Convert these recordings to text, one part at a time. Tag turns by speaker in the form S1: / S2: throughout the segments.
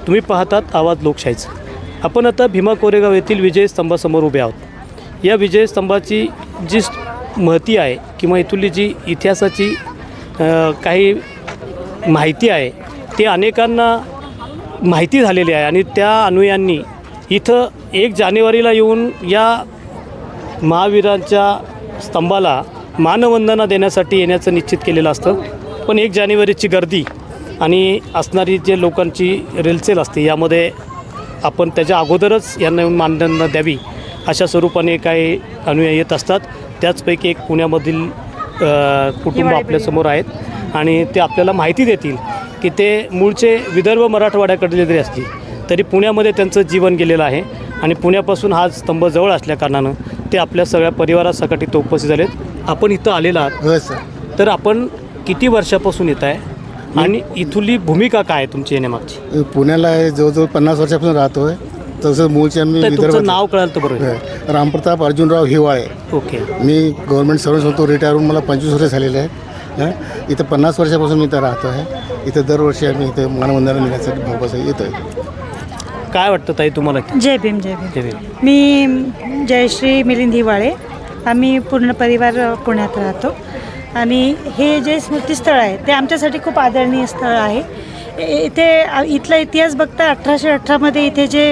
S1: तुम्ही पाहतात आवाज लोकशाहीचा। आपण आता भीमा कोरेगाव येथील विजय स्तंभासमोर उभे आहोत। या विजय स्तंभाची जी महती आहे किंवा इथली जी इतिहासाची काही माहिती आहे ते अनेकांना माहिती झालेली आहे आणि त्या अनुयांनी इथं 1 जानेवारीला येऊन या महावीरांच्या स्तंभाला मानवंदना देण्यासाठी येण्याचं निश्चित केलेलं असतं। पण 1 जानेवारीची गर्दी आणि असणारी जे लोकांची रेलचेल असते यामध्ये आपण त्याच्या अगोदरच यांना येऊन मानवंदना द्यावी अशा स्वरूपाने काही अनुयायी येत असतात। त्याचपैकी एक पुण्यामधील कुटुंब आपल्यासमोर आहेत आणि ते आपल्याला माहिती देतील की ते मूळचे विदर्भ मराठवाड्याकडले जरी असतील तरी पुण्यामध्ये त्यांचं जीवन गेलेलं आहे आणि पुण्यापासून हा स्तंभ जवळ असल्याकारणानं ते आपल्या सगळ्या परिवारासकट इथं उपस्थित झालेत। आपण इथं आलेला आहात
S2: हो सर।
S1: तर आपण किती वर्षापासून येत आहे आणि इथली भूमिका काय आहे तुमची येण्यामागची?
S2: पुण्याला जवळजवळ 50 वर्षापासून राहतो आहे। तसं मूळचे आम्ही
S1: तुमचं नाव कळालं तर बरोबर?
S2: रामप्रताप अर्जुनराव हिवाळे।
S1: ओके।
S2: मी गव्हर्नमेंट सर्व्हिस होतो, रिटायर होऊन मला 25 वर्ष झालेले आहे। इथं 50 वर्षापासून मी इथं राहतो आहे। इथं दरवर्षी आम्ही इथं मानवंदना देण्यासाठी भाऊबासाठी येतो आहे।
S1: काय वाटतं ताई तुम्हाला?
S3: जय भीम जय भीम। मी जयश्री मिलिंद हिवाळे। आम्ही पूर्ण परिवार पुण्यात राहतो आणि हे जे स्मृतिस्थळ आहे ते आमच्यासाठी खूप आदरणीय स्थळ आहे। इथे इथला इतिहास बघता 1818मध्ये इथे जे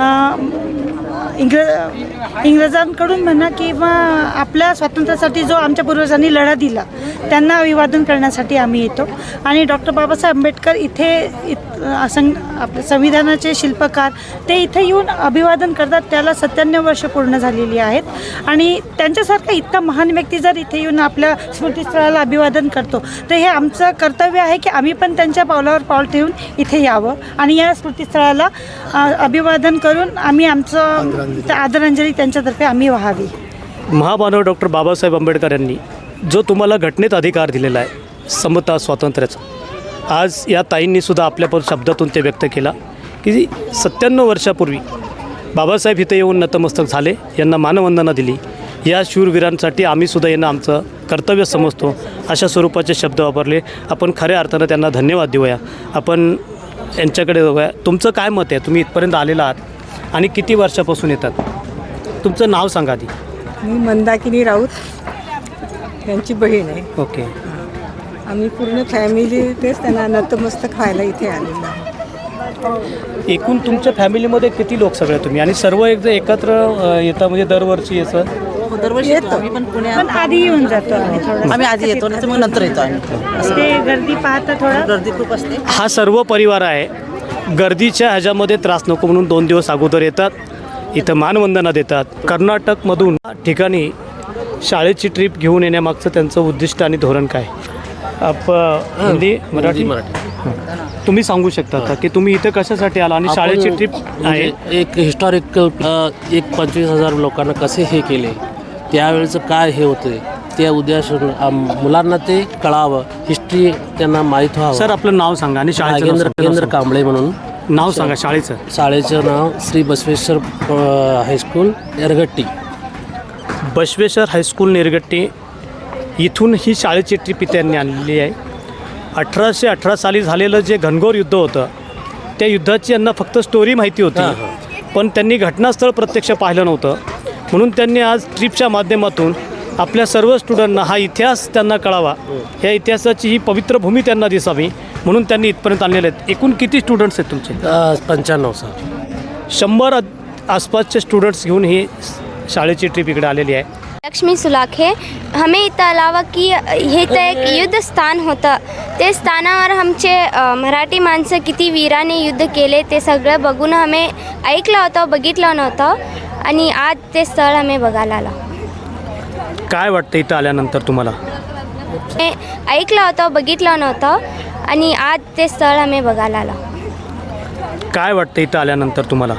S3: इंग्रजांकडून म्हणा किंवा आपल्या स्वातंत्र्यासाठी जो आमच्या पूर्वजांनी लढा दिला त्यांना अभिवादन करण्यासाठी आम्ही येतो आणि डॉक्टर बाबासाहेब आंबेडकर इथे आपल्या संविधानाचे शिल्पकार ते इथे येऊन अभिवादन करतात। त्याला 97 वर्ष पूर्ण झालेली आहेत आणि त्यांच्यासारखा इतका महान व्यक्ती जर इथे येऊन आपल्या स्मृतिस्थळाला अभिवादन करतो तर हे आमचं कर्तव्य आहे की आम्ही पण त्यांच्या पावलावर पाऊल ठेवून इथे यावं आणि या स्मृतिस्थळाला अभिवादन करून आम्ही आमचं आदरांजली त्यांच्यातर्फे आम्ही व्हावी।
S1: महामानव डॉक्टर बाबासाहेब आंबेडकर यांनी जो तुम्हाला घटनेत अधिकार दिलेला आहे समता स्वातंत्र्याचा, आज या ताईंनीसुद्धा आपल्या शब्दातून ते व्यक्त केला की 97 वर्षापूर्वी बाबासाहेब इथे येऊन नतमस्तक झाले, यांना मानवंदना दिली। या शूरवीरांसाठी आम्हीसुद्धा यांना आमचं कर्तव्य समजतो अशा स्वरूपाचे शब्द वापरले। आपण खऱ्या अर्थानं त्यांना धन्यवाद देऊया। आपण यांच्याकडे बघूया, तुमचं काय मत आहे? तुम्ही इथपर्यंत आलेला आहात आणि किती वर्षापासून येतात? तुमचं नाव सांगा आधी।
S4: मी मंदाकिनी राऊत यांची बहीण आहे।
S1: ओके।
S4: आम्ही पूर्ण फॅमिली तेच त्यांना नतमस्तक व्हायला इथे आलेलो आहे।
S1: एकूण तुमच्या फॅमिलीमध्ये किती लोक सगळे तुम्ही आणि सर्व एकत्र येता म्हणजे दरवर्षी याचं?
S5: दरवर्षी येतो आम्ही, पण
S3: पण आधी येऊन जातो
S5: आम्ही आधी येतो नाही तर मग नंतर येतो आम्ही।
S3: ते गर्दी पाहता थोडं
S5: गर्दी खूप असते।
S1: हा सर्व परिवार आहे, गर्दीच्या ह्याच्यामध्ये त्रास नको म्हणून 2 दिवस अगोदर येतात, इथं मानवंदना देतात। कर्नाटकमधून ठिकाणी शाळेची ट्रिप घेऊन येण्यामागचं त्यांचं उद्दिष्ट आणि धोरण काय? हिंदी मराठी तुम्ही सांगू शकता का की तुम्ही इथं कशासाठी आला आणि शाळेची ट्रिप आहे?
S6: एक हिस्टॉरिकल 25,000 लोकांना कसे हे केले, त्यावेळेचं काय हे होते त्या उद्देशाने मुलांना ते कळावं, हिस्ट्री त्यांना माहीत व्हावं।
S1: सर आपलं नाव सांगा आणि शाळेचं
S6: नागेंद्र कांबळे म्हणून
S1: नाव सांगा शाळेचं।
S6: शाळेचं नाव श्री बसवेश्वर हायस्कूल निरगट्टी।
S1: बसवेश्वर हायस्कूल निरगट्टी इथून ही शाळेची ट्रिप इथे त्यांनी आणलेली आहे। 1818 साली झालेलं जे घनघोर युद्ध होतं त्या युद्धाची यांना फक्त स्टोरी माहिती होती, पण त्यांनी घटनास्थळ प्रत्यक्ष पाहिलं नव्हतं। म्हणून त्यांनी आज ट्रिपच्या माध्यमातून आपल्या सर्व स्टुडंटना हा इतिहास त्यांना कळावा, ह्या इतिहासाची ही पवित्र भूमी त्यांना दिसावी म्हणून त्यांनी इथपर्यंत आणलेले आहेत। एकूण किती स्टुडंट्स आहेत तुमचे?
S6: 95 सर।
S1: 100 आसपासचे स्टुडंट्स घेऊन ही शाळेची ट्रिप इकडे आलेली आहे।
S7: लक्ष्मी सुलाखे। हमें इथं आलावं की हे तर एक युद्ध स्थान होतं, ते स्थानावर आमचे मराठी माणसं किती वीराने युद्ध केले ते सगळं बघून आम्ही ऐकलं होतं, बघितलं नव्हतं आणि आज ते स्थळ आम्ही बघायला आलो।
S1: काय वाटतं इथं आल्यानंतर तुम्हाला?
S7: ऐकलं होतं, बघितलं नव्हतं आणि आज ते स्थळ आम्ही बघायला आलो।
S1: काय वाटतं इथं आल्यानंतर तुम्हाला?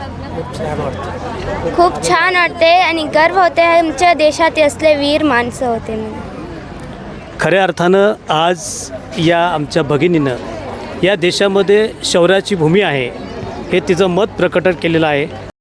S7: खूप छान वाटते आणि गर्व होते, आमच्या देशात असले वीर माणसं होते म्हणून।
S1: खऱ्या अर्थानं आज या आमच्या भगिनीनं या देशामध्ये शौर्याची भूमी आहे हे तिचं मत प्रकट केलेलं आहे।